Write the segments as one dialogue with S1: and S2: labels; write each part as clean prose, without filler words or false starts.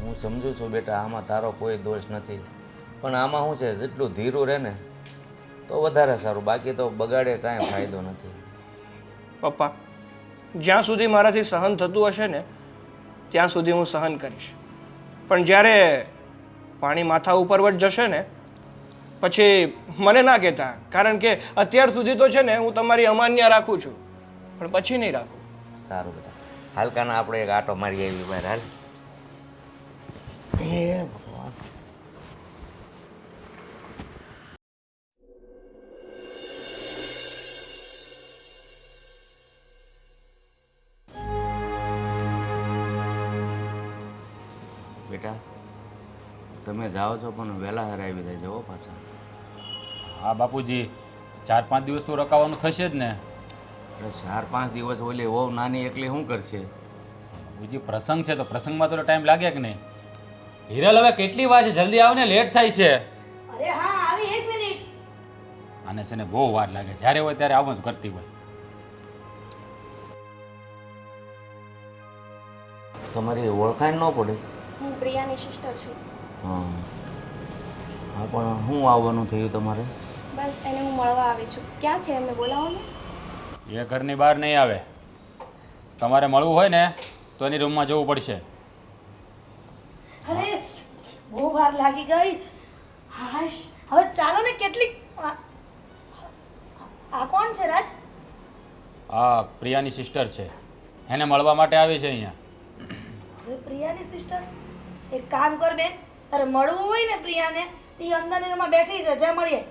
S1: હું સમજુ છું બેટા, આમાં તારો કોઈ દોષ નથી, પણ આમાં શું છે, જેટલું ધીરું રહે ને તો વધારે સારું, બાકી તો બગાડે કાંઈ ફાયદો નથી.
S2: પપ્પા, જ્યાં સુધી મારાથી સહન થતું હશે ને ત્યાં સુધી હું સહન કરીશ, પણ જ્યારે પાણી માથા ઉપર જ જશે ને પછી મને ના કહેતા, કારણ કે અત્યાર સુધી તો છે ને હું તમારી અમાન્ય રાખું છું, પણ પછી નહીં રાખું.
S1: સારું બેટા, હાલકાના આપણે એક આટો મારી આવી બહાર. હાલ. એ ભગવાન. બેટા, તમે જાઓ છો પણ વહેલા હરાવી દેજો હો પાછા.
S3: હા બાપુજી, 4-5 દિવસ તો રોકાવાનું થશે જ ને.
S1: એટલે 4-5 દિવસ ઓલી વહુ નાની એકલી શું કરશે?
S3: બાપુજી પ્રસંગ છે તો પ્રસંગમાં તો ટાઈમ લાગે કે નહીં? હિરલ હવે કેટલી વાર છે, જલ્દી આવ ને, લેટ થાય છે.
S4: અરે હા, આવી 1 મિનિટ.
S3: આને છે ને બહુ વાર લાગે, જ્યારે હોય ત્યારે આવું જ કરતી હોય.
S1: તમારી ઓળખાણ ન પડે?
S4: હું પ્રિયાની સિસ્ટર છું.
S1: હા હા, પણ શું આવવાનું થયું તમારે?
S4: બસ એને હું મળવા આવી છું. ક્યાં છે એમને બોલાવો ને.
S3: એ ઘરની બહાર નહીં આવે. તમારે મળવું હોય ને તો એની રૂમમાં જવું પડશે.
S4: અરે બહુ વાર લાગી ગઈ. હાશ, હવે ચાલો ને. કેટલી આ કોણ છે રાજ?
S3: આ પ્રિયાની સિસ્ટર છે, એને મળવા માટે આવી છે અહીંયા.
S4: હવે પ્રિયાની સિસ્ટર? એક કામ કર બેન, તારે મળવું હોય ને પ્રિયાને, એ અંદરની રૂમમાં બેઠી છે, જા મળીએ.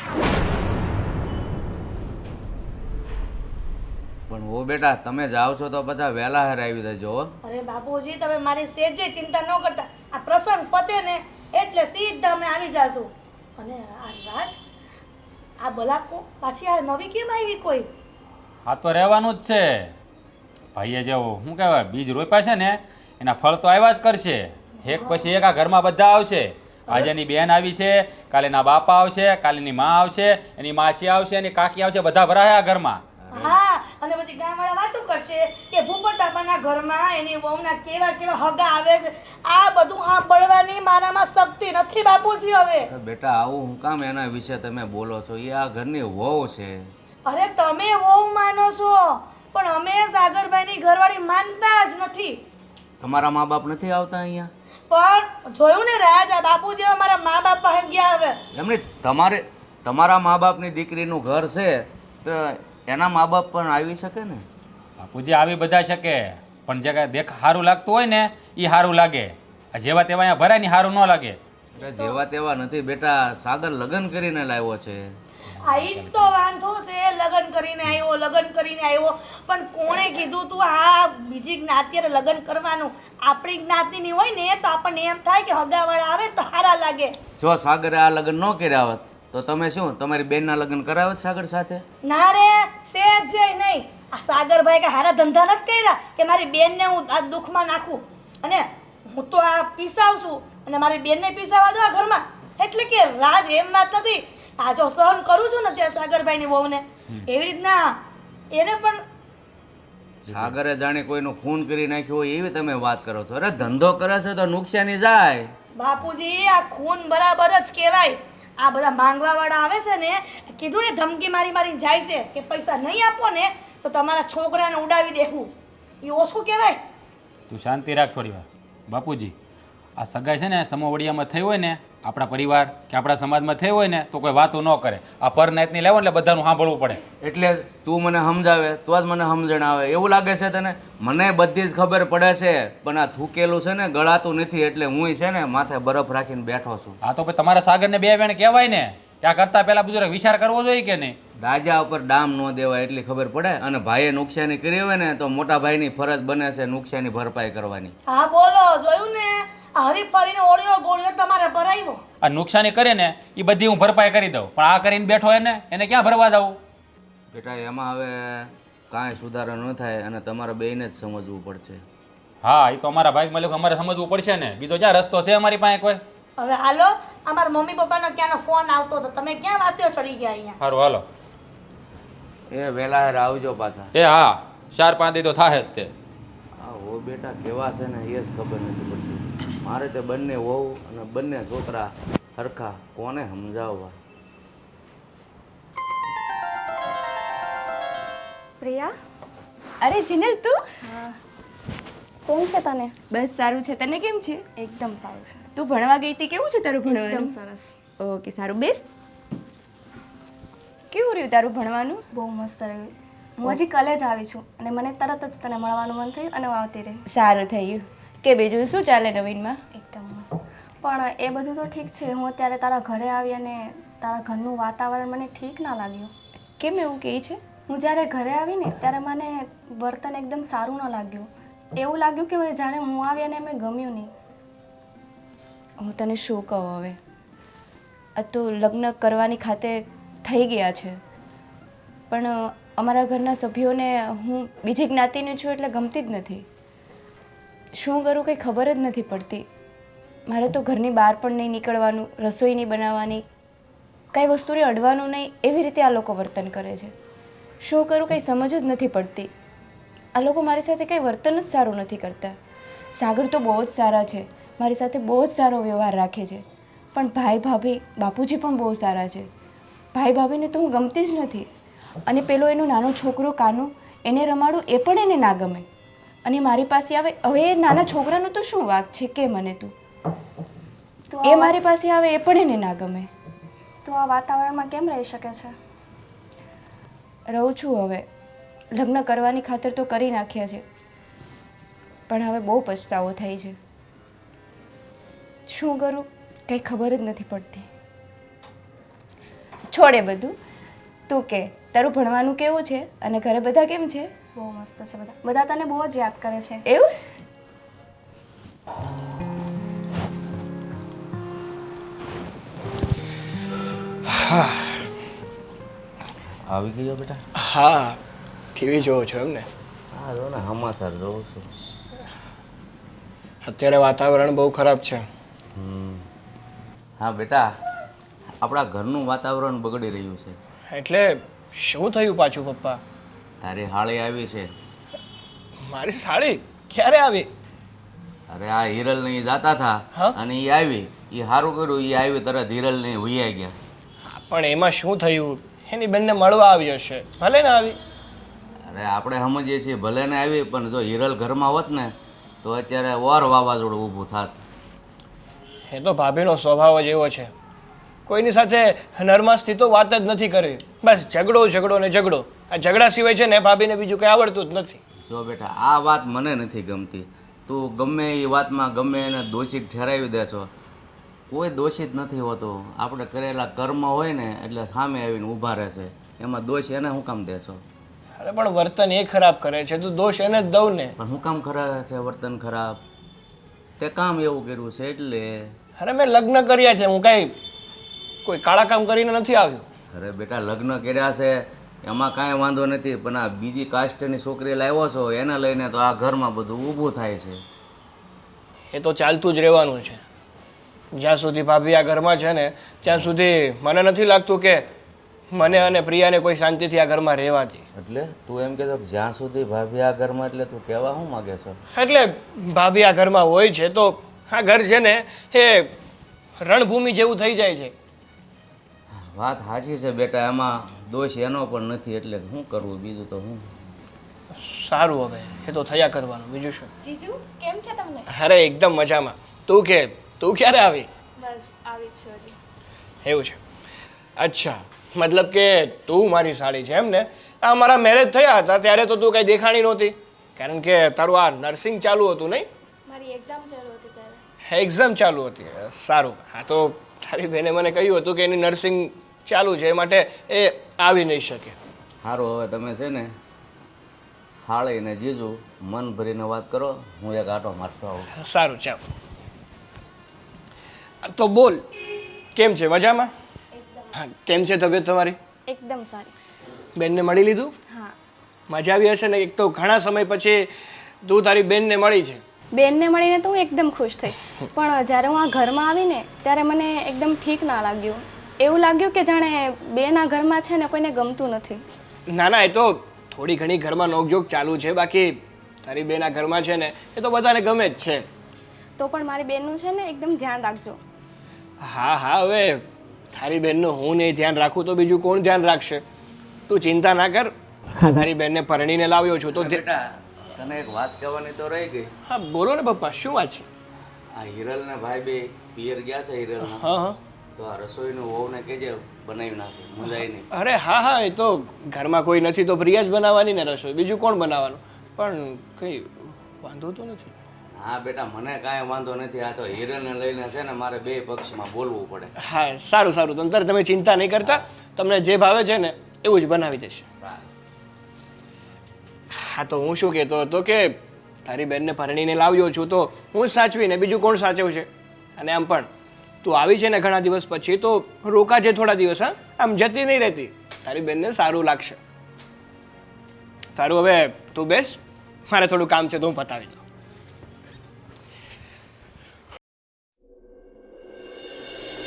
S1: પણ ઓ બેટા, તમે જાઓ છો તો બધા વહેલા હરાવી દેજો હો.
S4: અરે બાપુજી, તમે મારી સેજે ચિંતા ન કરતા. આ પ્રસંગ પતે ને એટલે સીધા અમે આવી જાશું. અને આ રાજ, આ બલાકો પાછી આ નવી કેમ આવી કોઈ?
S3: આ તો રહેવાનું જ છે. ભાઈએ જેવું શું કહેવાય, બીજ રોપ્યા છે ને એના ફળ તો આવ્યા જ કરશે. એક પછી એક આ ઘરમાં બધા આવશે. આજે એની બેન આવી છે, કાલે એના બાપા આવશે, કાલે એની માં આવશે, એની માસી આવશે, એની કાકી આવશે, બધા ભરાય આ ઘરમાં.
S4: હા, અને પછી ગામવાળા વાતો કરશે કે ભૂપતબાપાના ઘરમાં એની વહુના કેવા કેવા હગા આવે છે. આ બધું સાંભળવાની મારામાં શક્તિ નથી બાપુજી હવે.
S1: બેટા, આવું હું કામ એના વિશે તમે બોલો છો? એ આ ઘરની વહુ છે.
S4: અરે તમે વહુ માનો છો, પણ અમે સાગરભાઈની ઘરવાળી માનતા જ નથી.
S1: તમારા મા બાપ નથી આવતા અહીંયા?
S4: પણ જોયું ને રાજ, આ બાપુજી અમારા મા બાપ પાસે ગયા હવે.
S1: એમની તમારા મા બાપની દીકરીનું ઘર છે તો એના મા બાપ પણ આવી શકે ને?
S3: બાપુજી આવી બધા શકે, પણ જે કાંઈ દેખ સારું લાગતું હોય ને એ સારું લાગે. આ જેવા તેવા અહીંયા ભરાય ને સારું ન લાગે.
S1: એટલે જેવા તેવા નથી બેટા, સાગર લગ્ન કરીને લાવ્યો છે.
S4: આ ઈ જ તો વાંધો છે, લગ્ન કરીને આવ્યો, પણ કોણે કીધું તું આ બીજી જ્ઞાતિએ લગ્ન કરવાનું? આપણી જ્ઞાતિની હોય ને તો આપણને એમ થાય કે હગાવાળા આવે તો સારા લાગે.
S1: જો સાગરે આ લગ્ન ન કર્યા હોત તો તમે શું તમારી બેનના લગ્ન કરાવત સાગર સાથે?
S4: ના રે, સેજ નહીં. આ સાગરભાઈ કે હારા ધંધા નથી કર્યા કે મારી બેનને હું આ દુઃખમાં નાખું, અને હું તો આ પીસાવ છું અને મારી બેનને પીસાવા દો આ ઘરમાં. એટલે કે રાજ, એમ વાત નથી. આ જો સહન કરું છું ને ત્યાં સાગરભાઈની વહુને, એવી રીતના એને પણ
S1: સાગરે જાણે કોઈનું ખૂન કરી નાખ્યું હોય એવી તમે વાત કરો છો. અરે ધંધો કરે છે તો નુકસાની જાય.
S4: બાપુજી, આ ખૂન બરાબર જ કહેવાય. આ બધા માંગવા વાળા આવે છે ને, કીધું ને ધમકી મારી મારીને જાય છે કે પૈસા નહીં આપો ને તો તમારા છોકરાને ઉડાવી દેવું. એ ઓછું કહેવાય?
S3: તું શાંતિ રાખ થોડી વાર. બાપુજી, આ સગાઈ છે ને સમોવડિયામાં થઈ હોય ને, આપણા પરિવાર કે આપણા સમાજમાં થઈ હોય ને તો કોઈ વાતો ન કરે. આ પર નાઈટની લેવો એટલે બધાનું સાંભળવું પડે.
S1: એટલે તું મને સમજાવે તો જ મને સમજણ આવે એવું લાગે છે તને? મને બધી જ ખબર પડે છે, પણ આ થૂકેલું છે ને ગળાતું નથી, એટલે હું છે ને માથે બરફ રાખીને બેઠો છું.
S3: આ તો પછી તમારા સાગરને બે વેણ કહેવાય ને, ત્યાં કરતાં પહેલાં બધું વિચાર કરવો જોઈએ કે નહીં?
S1: દાજા ઉપર ડામ ન દેવાય એટલી ખબર પડે. અને ભાઈએ નુકસાની કરી હોય ને તો મોટા ભાઈની ફરજ બને છે નુકસાની ભરપાઈ કરવાની.
S4: હા બોલો, જોયું ને? આ હરીફરીને ઓળ્યો ગોળ્યો તમારે ભરાવ્યો.
S3: આ નુકસાની કરે ને એ બધી હું ભરપાઈ કરી દઉં, પણ આ કરીને બેઠો એને ક્યાં ભરવા દઉં?
S1: બેટા, એમાં હવે કાંઈ સુધારો ન થાય અને તમારે બેયને જ સમજવું પડશે.
S3: હા, એ તો અમારા ભાઈ મળ્યું, અમારે સમજવું પડશે ને. બીજો ક્યાં રસ્તો છે અમારી પાસે કોઈ?
S4: હવે હાલો, અમારા મમ્મી પપ્પાનો ક્યાંનો ફોન આવતો હતો, તમે ક્યાં વાત્યો ચડી ગયા અહીંયા?
S3: સારું હાલો.
S1: એ વહેલા હેર આવજો પાછા.
S3: એ હા, 4-5 દી તો થાય જ તે.
S1: હા હો બેટા, કેવા છે ને એ જ ખબર નથી પડતી. મારે તે બંને વહુ અને બંને છોકરા હરખા કોને સમજાવવા?
S5: પ્રિયા, અરે જીનલ તું?
S6: કેમ છે તને?
S5: બસ સારું છે. તને કેમ છે?
S6: એકદમ સારું છે.
S5: તું ભણવા ગઈ હતી, કેવું છે તારું ભણવાનું?
S6: એકદમ સરસ.
S5: ઓકે, સારું. બેસ. કેવું રહ્યું તારું ભણવાનું?
S6: બહુ મસ્ત રહ્યું. હું હજી કોલેજ આવી છું અને મને તરત જ તને મળવાનું મન થયું અને હું આવતી રહી.
S5: સારું થયું. કે બીજું શું ચાલે નવીનમાં?
S6: એકદમ મસ્ત. પણ એ બધું તો ઠીક છે. હું અત્યારે તારા ઘરે આવી અને તારા ઘરનું વાતાવરણ મને ઠીક ના લાગ્યું.
S5: કેમ એવું કહે છે?
S6: હું જ્યારે ઘરે આવી ને ત્યારે મને વર્તન એકદમ સારું ન લાગ્યું. એવું લાગ્યું કે જાણે હું આવી અને એમને ગમ્યું નહીં.
S5: હું તને શું કહું હવે? આ તો લગ્ન કરવાની ખાતે થઈ ગયા છે, પણ અમારા ઘરના સભ્યોને હું બીજી જ્ઞાતિની છું એટલે ગમતી જ નથી. શું કરું કંઈ ખબર જ નથી પડતી. મારે તો ઘરની બહાર પણ નહીં નીકળવાનું, રસોઈ નહીં બનાવવાની, કાંઈ વસ્તુને અડવાનું નહીં, એવી રીતે આ લોકો વર્તન કરે છે. શું કરું કંઈ સમજ જ નથી પડતી. આ લોકો મારી સાથે કંઈ વર્તન જ સારું નથી કરતા. સાગર તો બહુ જ સારા છે, મારી સાથે બહુ જ સારો વ્યવહાર રાખે છે, પણ ભાઈ ભાભી બાપુજી પણ બહુ સારા છે. ભાઈ ભાભીને તો હું ગમતી જ નથી. અને પેલો એનો નાનો છોકરો કાનો, એને રમાડું એ પણ એને ના ગમે. અને મારી પાસે આવે, હવે એ નાના છોકરાનો તો શું વાંક છે કે મને તું?
S6: તો
S5: એ મારી પાસે આવે એ પણ એને ના ગમે.
S6: તો આ વાતાવરણમાં કેમ રહી શકે છે?
S5: રહું છું હવે. લગ્ન કરવાની ખાતર તો કરી નાખ્યા છે, પણ હવે બહુ પછતાવો થાય છે. શું કરું કંઈ ખબર જ નથી પડતી. છોડે બધું. તું કે તારું ભણવાનું કેવું છે અને ઘરે બધા કેમ છે?
S6: બહુ મસ્ત છે બધા. બધા તને બહુ જ યાદ કરે છે.
S5: એવું?
S1: આવી ગયો બેટા?
S2: હા, ટીવી જોવો છો એમ ને?
S1: હા, જો ને સમાચાર જોઉં છું.
S2: અત્યારે વાતાવરણ બહુ ખરાબ છે.
S1: હા બેટા, આપણા ઘરનું વાતાવરણ બગડી રહ્યું છે.
S2: એટલે શું થયું પાછું પપ્પા?
S1: તારી હાળી આવી છે.
S2: મારી સાડી ક્યારે આવી?
S1: અરે આ હિરલ ને જાતા
S2: હા?
S1: હતા અને એ આવી. એ સારું કર્યું, એ આવી તરત હિરલ ને વૈયા ગયા.
S2: હા, પણ એમાં શું થયું? એની બેનને મળવા આવી હશે, ભલે ને આવી.
S1: અરે આપણે સમજીએ છીએ ભલે ને આવી, પણ જો હિરલ ઘરમાં હોત ને તો અત્યારે ઓર વાવાઝોડું ઊભું થાત.
S2: એ તો ભાભીનો સ્વભાવ જ એવો છે. કોઈની સાથે નરમાશથી તો વાત જ નથી કરવી. બસ ઝઘડો ઝઘડો ને ઝઘડો. આ ઝઘડા સિવાય છે ને ભાભીને બીજું કંઈ આવડતું જ નથી.
S1: જો બેટા, આ વાત મને નથી ગમતી. તું ગમે એ વાતમાં ગમે એને દોષિત ઠેરાવી દેશો. કોઈ દોષિત નથી હોતો. આપણે કરેલા કર્મ હોય ને એટલે સામે આવીને ઊભા રહેશે. એમાં દોષ એને શું કામ દેશો?
S2: અરે પણ વર્તન એ ખરાબ કરે છે તો દોષ એને જ દઉં ને.
S1: પણ શું કામ કરે છે વર્તન ખરાબ? તે કામ એવું કર્યું છે એટલે.
S2: અરે મેં લગ્ન કર્યા છે, હું કાંઈ કોઈ કાળા કામ કરીને નથી આવ્યો.
S1: અરે બેટા, લગ્ન કર્યા છે એમાં કાંઈ વાંધો નથી, પણ આ બીજી કાસ્ટની છોકરી લાવ્યો છો એને લઈને તો આ ઘરમાં બધું ઊભું થાય છે.
S2: એ તો ચાલતું જ રહેવાનું છે. જ્યાં સુધી ભાભી આ ઘરમાં છે ને ત્યાં સુધી મને નથી લાગતું કે મને અને પ્રિયાને કોઈ શાંતિથી આ ઘરમાં રહેવાતી.
S1: એટલે તું એમ કહેતો કે જ્યાં સુધી ભાભી આ ઘરમાં, એટલે તું કહેવા શું માગે છો?
S2: એટલે ભાભી આ ઘરમાં હોય છે તો આ ઘર છે ને એ રણભૂમિ જેવું થઈ જાય છે.
S1: વાત સાચી છે બેટા, એમાં દોષ એનો પણ નથી, એટલે શું કરવું બીજું તો હું.
S2: સારું, હવે એ તો થયા કરવાનું, બીજું શું.
S6: જીજુ કેમ છે તમને?
S2: અરે એકદમ મજામાં. તું કે તું ક્યારે આવી?
S6: બસ આવી જ છું હજી.
S2: એવું છે? અચ્છા, મતલબ કે તું મારી સાળી છે એમ ને? આ મારા મેરેજ થયા હતા ત્યારે તો તું કંઈ દેખાણી નહોતી, કારણ કે તારું આ નર્સિંગ ચાલુ હતું નહીં?
S6: મારી એક્ઝામ ચાલુ હતી ત્યારે.
S2: એક્ઝામ ચાલુ હતી. સારું. હા, તો તારી બેને મને કહ્યું હતું કે એની નર્સિંગ ચાલુ છે, એ માટે એ આવી નહીં શકે.
S1: સારું, હવે તમે છે ને હાળીને જીજુ મન ભરીને વાત કરો, હું એક આટો મારતો આવું.
S2: સારું, ચાલો. તો બોલ, કેમ છે? મજામાં? હા, કેમ છે તબિયત તમારી?
S6: એકદમ સારી.
S2: બેનને મળી લીધું?
S6: હા.
S2: મજા આવી હશે ને? એક તો ઘણા સમય પછી તું તારી બેનને મળી છે.
S6: બેનને મળીને તો હું એકદમ ખુશ થઈ, પણ જ્યારે હું આ ઘરમાં આવીને ત્યારે મને એકદમ ઠીક ના લાગ્યું. એવું લાગ્યું કે જાણે બેન આ ઘરમાં છે ને કોઈને ગમતું નથી.
S2: ના ના, એ તો થોડી ઘણી ઘરમાં નોકઝોક ચાલુ છે, બાકી તારી બેન આ ઘરમાં છે ને એ તો બધાને ગમે જ છે.
S6: તો પણ મારી બેનનું છે ને એકદમ ધ્યાન રાખજો.
S2: હા હા, હવે તારી બેનનું હું નહીં ધ્યાન રાખું તો બીજું કોણ ધ્યાન રાખશે? તું ચિંતા ના કર. હા, તારી બેનને પરણીને લાવ્યો છું તો
S1: બેટા તને એક વાત કહેવાની તો રહી ગઈ.
S2: હા બોલો ને પપ્પા, શું વાત છે?
S1: આ હિરલ ને ભાઈ બે પિયર ગયા છે હિરલ.
S2: હા હા.
S1: તો આ રસોઈનું વહુને કહેજે બનાવી નાખે, મુંજાય નહીં.
S2: અરે હા હા, એ તો ઘરમાં કોઈ નથી તો પ્રિયા જ બનાવવાની ને રસોઈ, બીજું કોણ બનાવવાનું? પણ કંઈ વાંધો તો નથી.
S1: હા બેટા, મને કાંઈ વાંધો નથી. આ તો હિરલને લઈને છે ને મારે બે પક્ષમાં બોલવું પડે.
S2: હા સારું સારું, તંતર તમે ચિંતા નહીં કરતા, તમને જે ભાવે છે ને એવું જ બનાવી દેશે. હા તો હું શું કહેતો હતો કે તારી બેનને પરણીને લાવ્યો છું તો હું જ સાચવીને બીજું કોણ સાચવશે? અને આમ પણ તું આવી છે ને ઘણા દિવસ પછી તો રોકાજે થોડા દિવસ. હા, આમ જતી નહીં રહેતી, તારી બેનને સારું લાગશે. સારું, હવે તું બેસ, મારે થોડું કામ છે તો હું પતાવી દઉં.